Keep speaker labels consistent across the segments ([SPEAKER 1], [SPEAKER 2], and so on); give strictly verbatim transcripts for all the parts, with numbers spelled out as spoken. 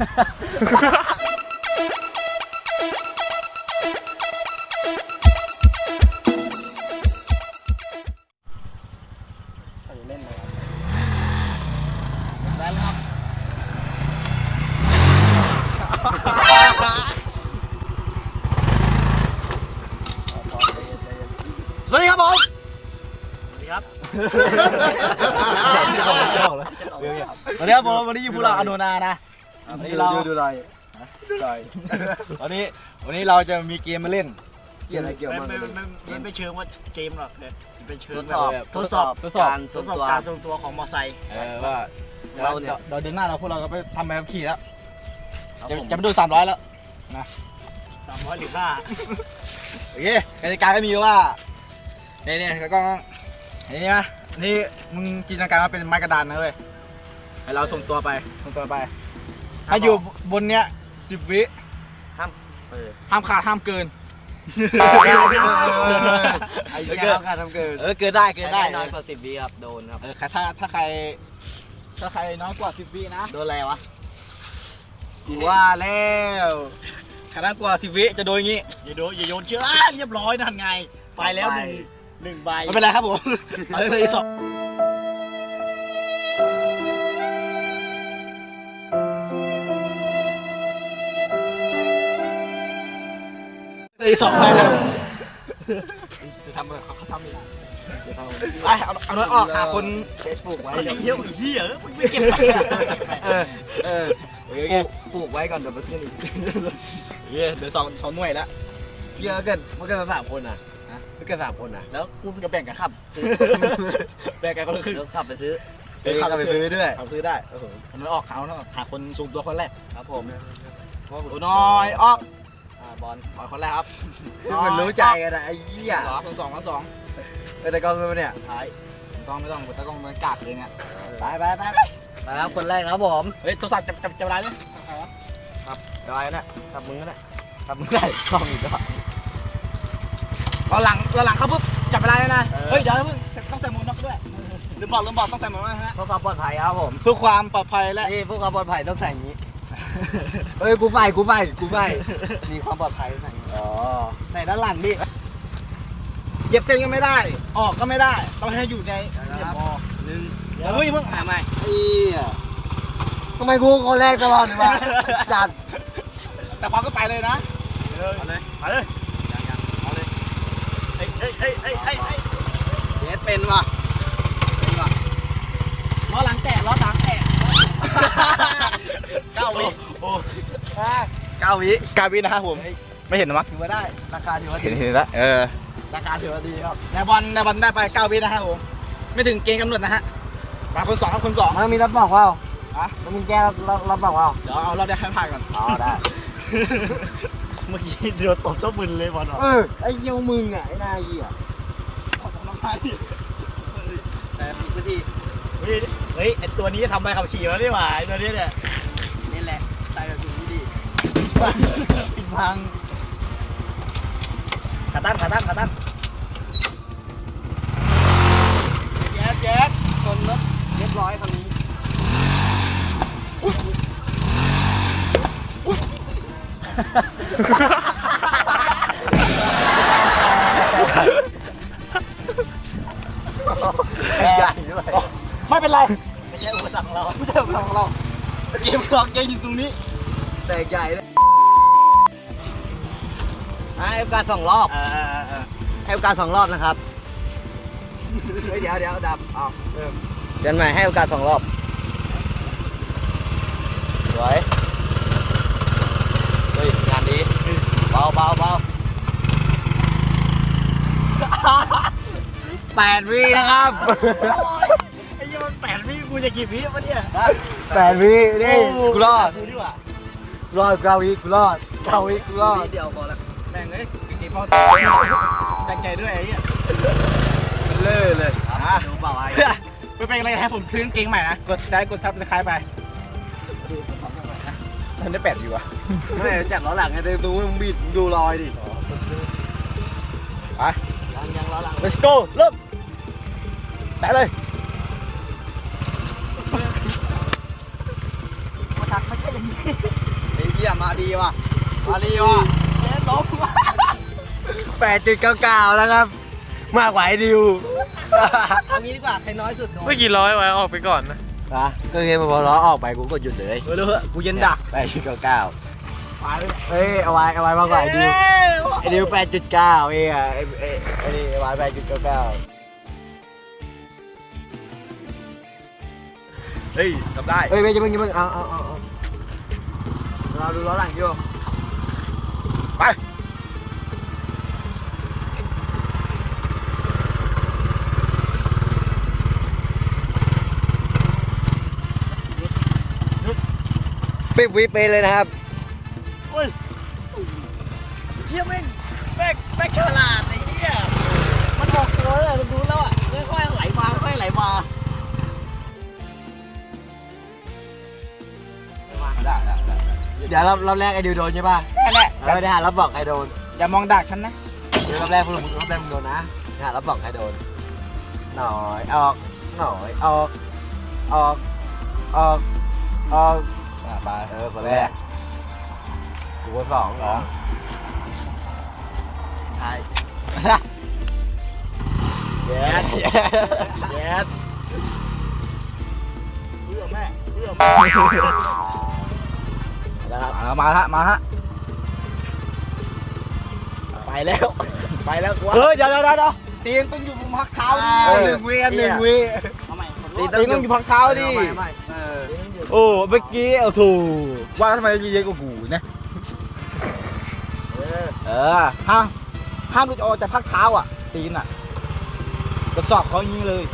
[SPEAKER 1] เล่นเลยได้แล้วครับสวัสดีครับผมสวัสดีครับสวัสดีครับผมวันนี้อยู่พวกเราอโนนานะวันนี้เราดูอะไรดูอะไรวันนี้วันนี้เราจะมีเกมมาเล่นเกี่ยวอะไรเกี่ยวกับไม่ไม่ไม่เชิงว่าเกมหรอกเนี่ยจะเป็นเชิงแบบทดสอบทดสอบการทดสอบการทรงตัวของมอไซค์เออว่าเราเนี่ยเราเดินหน้าเราพวกเราก็ไปทำใบขับขี่แล้วจะจะไปดูสามร้อยแล้วนะสามร้อยหรือห้าโอเคกติกาก็มีว่าเนี่ยเนี่ยแล้วก็นี่นะนี่มึงจินตนาการว่าเป็นไม้กระดานนะเว้ยให้เราส่งตัวไปส่งตัวไปถ้าอยู่บนเนี้ยสิบวิห้ามห้ามขาดห้ามเกินไอ้เหี้ยห้ามขาดห้ามเกินเออเกินได้เกินได้น้อยกว่าสิบวิครับโดนครับเออถ้าถ้าใครถ้าใครน้อยกว่าสิบวินะโดนอะไรวะกูว่าแล้วถ้าน้อยกว่าสิบวิจะโดนอย่างงี้อย่าโดนอย่าโยนเชือกเรียบร้อยนั่นไงไปแล้วหนึ่งหนึ่งใบไม่เป็นไรครับผมเอาเลยสองเลยสองใบนะจะทำอะไรเขาเขาทำไม่ได้ไปเอาเอาน้อยออกหาคนเฟซบุ๊กไว้เยอะเหี้ยไม่เก็บไปเออเออปลูกไว้ก่อนเดี๋ยวมันขึ้นอีกเย้เดี๋ยวสองสองหน่วยแล้วเยอะเกินมันเกินสามคนอ่ะมันเกินสามคนอ่ะแล้วกูจะแบ่งกันขับแบ่งกันคนละครึ่งขับไปซื้อขับไปซื้อด้วยขับซื้อได้โอ้โหมันไม่ออกเขาเนาะหาคนสูงตัวคนแรกครับผมโอ้น้อยออกบอลบอลคนแรกครับมันรู้ใจกันนะไอ้เหี้ยสองสองสองไปตะกองเลยเนี่ยท้ายตะกองไม่ต้องตะกองมันกากเลยเนี่ยไปไปไปไปไปครับคนแรกครับผมเฮ้ยโทรศัพท์จับจับจับอะไรเนี่ยครับจับอะไรเนี่ยจับมือก็ได้จับมือได้กล้องอีกแล้วเราหลังเราหลังเขาปุ๊บจับอะไรเลยนะเฮ้ยเดี๋ยวเพิ่งต้องใส่หมวกน็อกด้วยลืมบอกลืมบอกต้องใส่หมวกน็อกนะเพื่อความปลอดภัยครับผมเพื่อความปลอดภัยและนี่เพื่อความปลอดภัยต้องใส่อย่างนี้เฮ้ยกูไปกูไปกูไปมีความปลอดภัยใส่อ๋อใส่ด้านหลังดิเหยียบเส้นก็ไม่ได้ออกก็ไม่ได้ต้องให้อยู่ในเหยียบอหนึ่งเดี๋ยวเพิ่งเพิ่งทำไมไอ้ทำไมกูคนแรกตลอดเลยวะจัดแต่พอก็ไปเลยนะเอาเลยไปเลยเอาเลยเอ้ยเอ้ยเอ้ยเอ้ยเอ้ยเอ้ยเด็ดเป็นว่ะเป็นว่ะล้อหลังแตะล้อหลังแตะเก้าวิโอ้เก้าวิเก้าวินะครับผมไม่เห็นหรอมั้งถือว่าได้ราคาถือว่าดีเห็นแล้วเออราคาถือว่าดีครับในบอลในบอลได้ไปเก้าวินะครับผมไม่ถึงเกณฑ์กำหนดนะฮะมาคนสองครับคนสองมันมีรับบอกว่าอ่ะมันมีแก้รับรับบอกว่าเดี๋ยวเอาเราได้ให้ผ่านก่อนอ๋อได้เมื่อกี้เดือดตบเจ้ามึนเลยบอลเออไอ้เยี่ยวมึงอ่ะไอ้นายเหี้ยขอทำน้ำมันแต่พื้นที่เฮ้ยเฮ้ยไอตัวนี้ทำใบขับขี่แล้วนี่หว่าไอตัวนี้เนี่ยนี่แหละใส่แบบนี้ดีปิดพังขาตั้งขาตั้งขาตั้งแจ๊ดแจ๊ดคนรถเรียบร้อยคันนี้ใหญ่ด้วยไม่เป็นไรไม่ใช่อุปสรรคของเราไม่ใช่อุปสรรคของเราเกมล็อกยังอยู่ตรงนี้แต่ใหญ่เลยให้โอกาสสองรอบให้โอกาสสองรอบนะครับเดี๋ยวเดี๋ยวดับเอาเริ่มเดือนใหม่ให้โอกาสสองรอบสวยเฮ้ยงานดีเบาเบาเบาแปดวินะครับไอ้ยี่มันแปดวิกูจะกี่วิวะเนี่ยแปดวินี่กูรอดกูดีกว่ารอดเก้าวิกูรอดเก้าวิกูรอดเดียวพอละแม่งเลยกี่พอตั้งใจด้วยไอ้เนี่ยมันเล่เลยอ่ะดูเปล่าไอ้ไม่เป็นไรให้ผมซื้อกางเกงใหม่นะกดได้กดซับสไครป์ไปมันได้แปดอยู่อ่ะไม่จัดล้อหลังไงดูมึงบิดดูรอยดิไปยังยังล้อหลัง let's go เริ่มแตะเลยมาทักไม่ใช่อย่างนี้มาดีว่ะมาดีว่ะเล่นลบแปดจุดเก้าเก้าแล้วครับมากกว่าไอ้ดิวเอางี้ดีกว่าใครน้อยสุด
[SPEAKER 2] ไม่กี่ร้อยไว้ออกไปก่อนนะ
[SPEAKER 1] นะก็เงี้ยพอล้อออกไปกูก็หยุดเลยเออเลยกูเย็นดักแปดจุดเก้าเก้าเฮ้ยเอาไว้เอาไว้มากกว่าไอ้ดิวไอ้ดิวแปดจุดเก้าเองอ่ะไอ้ไอ้ไอ้นี่เอาไว้แปดจุดเก้าเก้าเฮ้ยทำได้เฮ้ยไม่จะมึงจะมึงเอาเอาเอาเราดูล้อหลังอยู่ไปฟิบวิไปเลยนะครับโอ้ยเฮียแม่งแม่งแม่งฉลาดไอ้เหี้ยมันบอกตัวเลยมันรู้แล้วอ่ะค่อยๆไหลมาค่อยๆไหลมาได้ได้ได้เดี๋ยวรอบรอบแรกไอ้ดิวโดนใช่ป่ะแค่แหละไม่ได้หารับบอกใครโดนอย่ามองดักฉันนะเดี๋ยวรอบแรกคุณรอบแรกมึงโดนนะหารับบอกใครโดนหน่อยออกหน่อยออกออกออกออกไปเออคนแรกกูคนสองเหรอใช่เย็ดเย็ดเย็ดเพื่อแม่เพื่อแม่นะครับมาฮะมาฮะไปแล้วไปแล้วกูเฮ้ยเดี๋ยวเดี๋ยวเดี๋ยวตีนต้องอยู่บนพักเท้าดิหนึ่งวีหนึ่งวีตีนต้องอยู่พักเท้าดิโอ้เมื่อกี้เอาถูกว่าทำไมเยอะกว่ากูนะเออห้ามห้ามหลุดออกจากพักเท้าอ่ะตีนอ่ะกระสอบเขาอย่างนี้เลย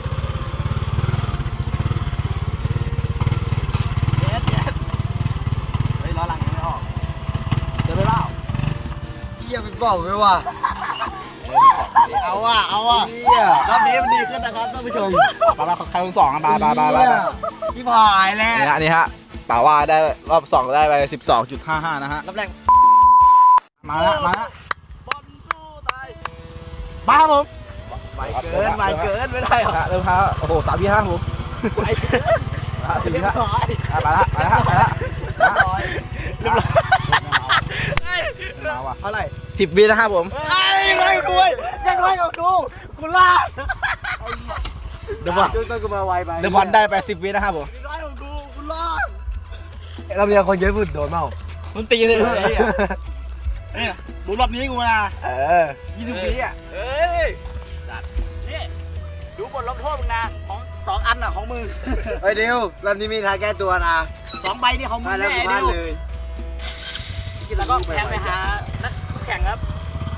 [SPEAKER 1] เย็ดเย็ดเฮ้ยล้อหลังยังไม่ออกเดี๋ยวไปเปล่าเยี่ยไปบอกไปว่ะเอาว่ะเอาว่ะรอบนี้มันดีขึ้นนะครับท่านผู้ชมปาปาใครคนสองอ่ะปาปาปาปาพี่พายแล้วนี่ฮะนี่ฮะป่าว่าได้รอบสองได้ไปสิบสองจุดห้าห้านะฮะรอบแรกมาละมาละบอลสู้ตายมาครับผมไปเกินไปเกินไม่ได้หรอเริ่มครับโอ้โหสามยี่ห้าผมไปเกินสี่ห้าไปละไปละไปละเรียบร้อยมาว่ะเท่าไหร่สิบวินะครับผมไอ้ไม่กูยังน้อยกว่ากูกูลาดเดี๋ยวบอลต้องกูมาไวไปเดี๋ยวบอลได้ไปสิบวินะครับผมน้อยกว่ากูกูลาดเรามีคนเยอะสุดโดนเมามันตีเลยไอ้เนี่ยดูรอบนี้กูนะเออยี่สิบวิอ่ะเอ้ยนี่ดูบทลงโทษมึงนะของสองอันอ่ะของมึงเฮ้ยเดี๋ยวรอบนี้มีทางแก้ตัวนะสองใบนี่ของมึงแน่เดียวแล้วก็แข่งไปหานักแข่งครับ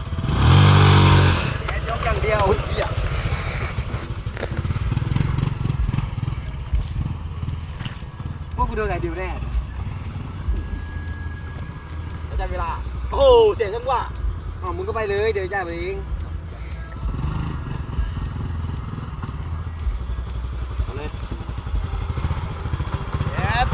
[SPEAKER 1] แข่งยกอย่างเดียวพวกกูโดนไงดิวแน่ไม่ใช่เวลาโอ้เสียงจังหวะอ๋อมึงก็ไปเลยเดี๋ยวจ่ายไปเองเอาเลยเย็ด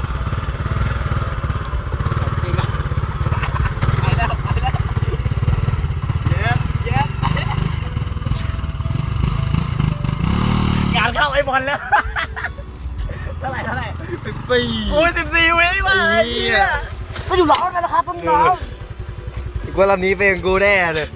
[SPEAKER 1] เข้าไอ้บอลแล้วเท่าไหร่เท่าไหร่สิบสี่โอ้ยสิบสี่วิมาก็อยู่ร้อนกันนะครับต้องน้องอีกว่าลำนี้เป็นกูแน่เลย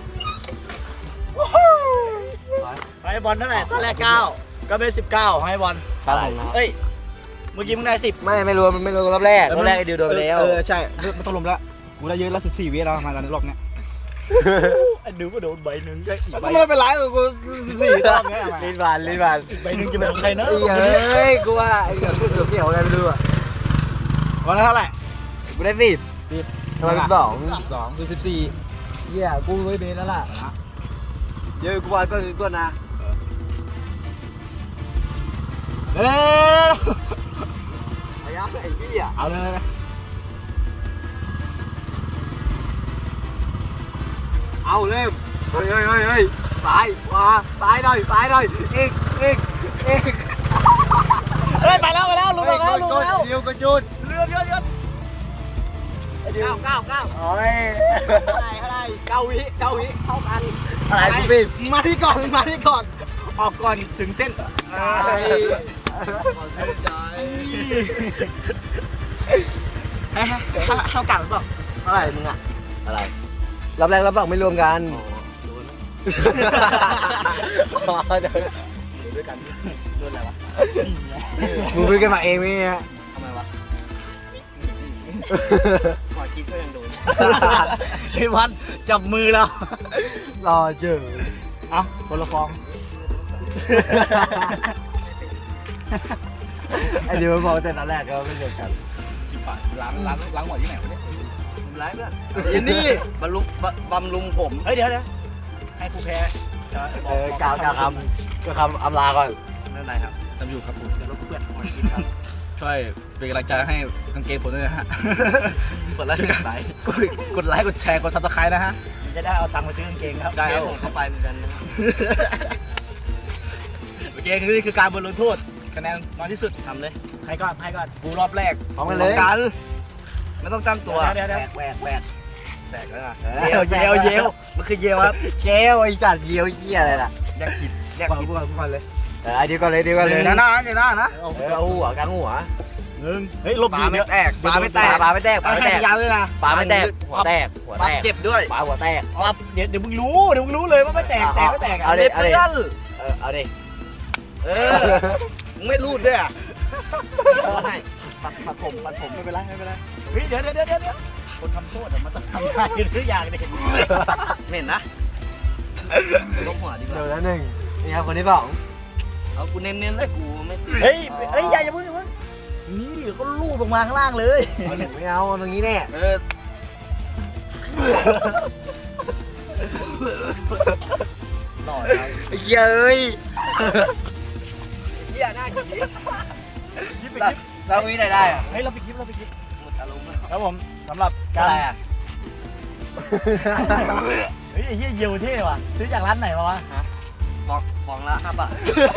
[SPEAKER 1] ไอ้บอลเท่าไหร่ตอนแรกเก้าก็เป็นสิบเก้าให้บอลเท่าไหร่เอ้ยเมื่อกี้มึงได้สิบไม่ไม่รวมมันไม่รวมรอบแรกรอบแรกไอ้ดิวโดนไปแล้วเออใช่มันต้องรวมแล้วกูได้เยอะแล้วสิบสี่วิแล้วมาตอนนี้รอบเนี้ยไอ้ดิวก็โดนใบหนึ่งก็อีกใบก็ไม่เป็นไรกูสิบสี่รอบเนี้ยลิ้นบานลิ้นบานใบหนึ่งจะเป็นของใครนะเฮ้ยกูว่าไอ้เกือบเกือบเกี่ยวอะไรไม่รู้อ่ะวันละเท่าไหร่กูได้สิบสิบทำไมสองสองคือสิบสี่เยี่ยกูไม่เบนแล้วล่ะเยอะกูว่าก็คือตัวนะเฮ้ยพยายามไอ้เหี้ยเอาเลยเอาเร็วเฮ้ยเฮ้ยเฮ้ยเฮ้ยซ้ายขวาซ้ายหน่อยซ้ายหน่อยอีกอีกอีกเฮ้ยไปแล้วไปแล้วลุกแล้วลุกแล้วเดียวกระจุดเรือเรือเรือเก้าเก้าเก้าโอ้ยเท่าไรเท่าไรเก้าวิเก้าวิเท่ากันอะไรพี่มาที่ก่อนมาที่ก่อนออกก่อนถึงเส้นเส้นใจให้ให้ให้เก่าหรือเปล่าอะไรมึงอ่ะอะไร
[SPEAKER 2] รับแรกรับสองไม่รวมกัน
[SPEAKER 1] โดน
[SPEAKER 2] อ๋อเดี๋ยว
[SPEAKER 1] ด้วยกันโดนอะไรวะ
[SPEAKER 2] มึงไปกันมาเองไหมเนี่ย
[SPEAKER 1] ทำไมวะขอคิดก็ยังโดน
[SPEAKER 3] ไอ้วันจับมือแล้ว
[SPEAKER 2] รอเจอ
[SPEAKER 3] เอ้าคนละฟอง
[SPEAKER 2] ไอเดียวมันบอกแต่ตอนแรกก็ไม่รวมกัน
[SPEAKER 1] ชิบหายล้างล้างล้างหัวที่ไหนวะเนี่ยล้างเพื่อนยินนี่บำรุงบำรุงผม
[SPEAKER 3] เฮ้ยเดี๋ยวเดี๋ยวให้ผู้แพ้จะ
[SPEAKER 2] เออกล่าวกล่าวคำก็คำอำลาก่อน
[SPEAKER 1] ไม่เป็นไรครับทำอยู่ครับผม
[SPEAKER 3] เดี๋ยวรบเพื่อนขอชิมครับ
[SPEAKER 1] ช่วยเป็นกำลังใจให้กางเกงผมด้วยนะฮะกดไลค์กดไลค์กดไลค์กดแชร์กดซับสไครต์นะฮะ
[SPEAKER 3] มันจะได้เอาตังค์ไปซื้อกางเกงครับ
[SPEAKER 1] ได้เอาเข้าไปเหมือนกันนะโอเคคือนี่คือการบอลลูนโทษคะแนนน้อยที่สุดทำเลย
[SPEAKER 3] ใครก่อนใครก่อน
[SPEAKER 1] กูรอบแรก
[SPEAKER 2] พร้อมกันเลย
[SPEAKER 1] กันไม่ต้องตั้งตัว
[SPEAKER 3] เดี๋ยวเดี๋ยว
[SPEAKER 1] แหวกแหวกแตกแล้วนะ
[SPEAKER 2] เย
[SPEAKER 1] เย
[SPEAKER 2] ล
[SPEAKER 1] ล
[SPEAKER 2] เย
[SPEAKER 1] เย
[SPEAKER 2] ล
[SPEAKER 1] ลเยลมันคือเยลครับ
[SPEAKER 2] เจลไอจัดเยียวเยี่ยอะไรล่ะ
[SPEAKER 1] แยกผิดแยก
[SPEAKER 2] ก่อน
[SPEAKER 1] ผิด
[SPEAKER 2] ก่อนก่อนเลยเออไอเดียวก่อนเลยเดียวก่อนเลย
[SPEAKER 1] เดี๋ยวหน้าเดี๋ยวหน้านะ
[SPEAKER 2] เออเอาหัวกลางหัว
[SPEAKER 3] หนึ่งเฮ้ยลบ
[SPEAKER 1] ป
[SPEAKER 3] ดี
[SPEAKER 1] ลาไม่
[SPEAKER 3] เนี่ย
[SPEAKER 1] แตกปลาไม่แตก
[SPEAKER 2] ปลาไม่แตกปลาไม่แตก
[SPEAKER 1] ยาวเลยนะ
[SPEAKER 2] ปลาไม่แตกหัวแตกหัว
[SPEAKER 1] ปลา
[SPEAKER 2] แตก
[SPEAKER 1] เจ็บด้วย
[SPEAKER 2] ปลาหัวแตก
[SPEAKER 3] ปั๊บเดี๋ยวเดี๋ยวมึงรู้เดี๋ยวมึงรู้เลยว่าไม่แตกแตกไม่แตก
[SPEAKER 2] เอา
[SPEAKER 3] อ่ะ
[SPEAKER 2] ดิ
[SPEAKER 1] เพื่อน
[SPEAKER 2] เออเอาดิ
[SPEAKER 1] เออมึงไม่รูดด้วยอ่ะให้ปัดปัดผมปัดผม
[SPEAKER 3] ไม่เป็นไรไม่เป็นไรเฮ้ยเดี๋ยวเดี๋ยวเดี๋ยวเดี๋ยวคนทำโทษอะมันต้องทำได้ทุกอย่างเลย
[SPEAKER 1] เหม็นนะลบหัวดีก
[SPEAKER 2] เดี๋ยว
[SPEAKER 1] ว่า
[SPEAKER 2] แล้วหนึ่งนี่ครับคนที่สอง
[SPEAKER 1] เอากูเน้นๆเลยกูไม่
[SPEAKER 3] เฮ้ยเฮ้ยอย่าอย่าเพิ่งอย่าเพิ่งนี่ดิก็ลูบลงมาข้างล่างเลย
[SPEAKER 2] เอาหนึ่งไม่เอาตรงนี้แน่
[SPEAKER 1] เออ หล่อครับ
[SPEAKER 2] ไอ้เกียเอ้ย
[SPEAKER 1] เหี้ยหน้าขี้
[SPEAKER 3] ยิบไปยิบ
[SPEAKER 2] เรามีไหนได้อะ
[SPEAKER 3] เฮ้ยเราไปยิบเราไปยิบ
[SPEAKER 1] หมดอารมณ์แล้ว
[SPEAKER 3] ครับผมสำหรับการ
[SPEAKER 2] อะไรอะ
[SPEAKER 3] เฮ้ยไอ้เหี้ยเยียวเท่ว่ะซื้อจากร้านไหนมาวะ
[SPEAKER 1] ฟองฟองละห้าบาท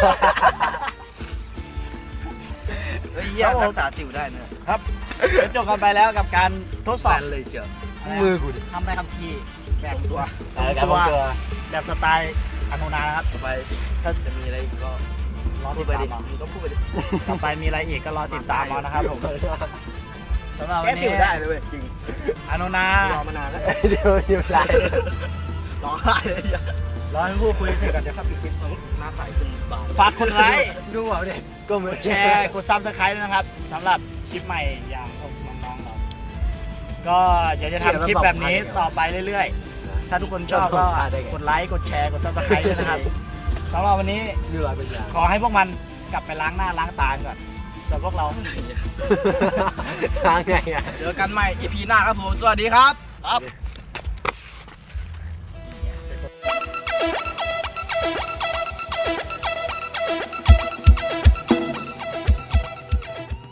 [SPEAKER 1] เฮ้ยเหี้ยรักษาสิวได้เนี่ย
[SPEAKER 3] เดี๋ยวจบกันไปแล้วกับการทดส
[SPEAKER 1] แฟ
[SPEAKER 3] อบ
[SPEAKER 1] นเลยเชียว
[SPEAKER 2] มือกูดิ
[SPEAKER 3] ทำได้คำทีแบ่งตัว
[SPEAKER 2] เออการพกตัว
[SPEAKER 3] แบบสไตล์อนุนานะครับ
[SPEAKER 1] ต่อไปถ้าจะมีอะไรก็
[SPEAKER 3] รอ
[SPEAKER 1] พู
[SPEAKER 3] ติ
[SPEAKER 1] ด
[SPEAKER 3] ด
[SPEAKER 1] ไป
[SPEAKER 3] ตา
[SPEAKER 1] ดิ
[SPEAKER 3] มเอา
[SPEAKER 1] มึงก็พูดไปดิ
[SPEAKER 3] ต่อไปมีอะไรอีกก็รอติดตามเอานะครับผมสำหรับวั
[SPEAKER 1] แก้
[SPEAKER 3] น
[SPEAKER 1] สิ
[SPEAKER 3] นี้
[SPEAKER 1] วได้เลยเว้ยจริง
[SPEAKER 3] อนุนาร
[SPEAKER 1] อมานานแล้ว
[SPEAKER 2] เดี๋ยวเดี๋ยวไร
[SPEAKER 1] ร้องไห้เลย
[SPEAKER 3] รอให้ผู้คุยเสร็จก่อนเดี๋ยวครับปิดคลิป
[SPEAKER 1] หน้าใสขึ้นบาง
[SPEAKER 3] ฝากกดไลค์
[SPEAKER 2] ดูเอาดิก็เหมื
[SPEAKER 3] ก
[SPEAKER 2] อน
[SPEAKER 3] ดแชร์กดซับสไครต์นะครับสำหรับคลิปใหม่อย่างของน้องๆเราก็เดี๋ยวจะทำคลิปแบบนี้ต่อไปเรื่อยๆ ถ้าทุกคนชอบก็กดไลค์กดแชร์กดซับสไครต์ด้วยนะครับสำหรับวันนี้
[SPEAKER 2] เหนื่อยเป็นอย่าง
[SPEAKER 3] ขอให้พวกมันกลับไปล้างหน้าล้างตาก่อนส่วนพวกเรา
[SPEAKER 2] ทางไงอ่ะ
[SPEAKER 1] เจอกันใหม่ อี พี หน้าครับผม สวัสดีครับครับ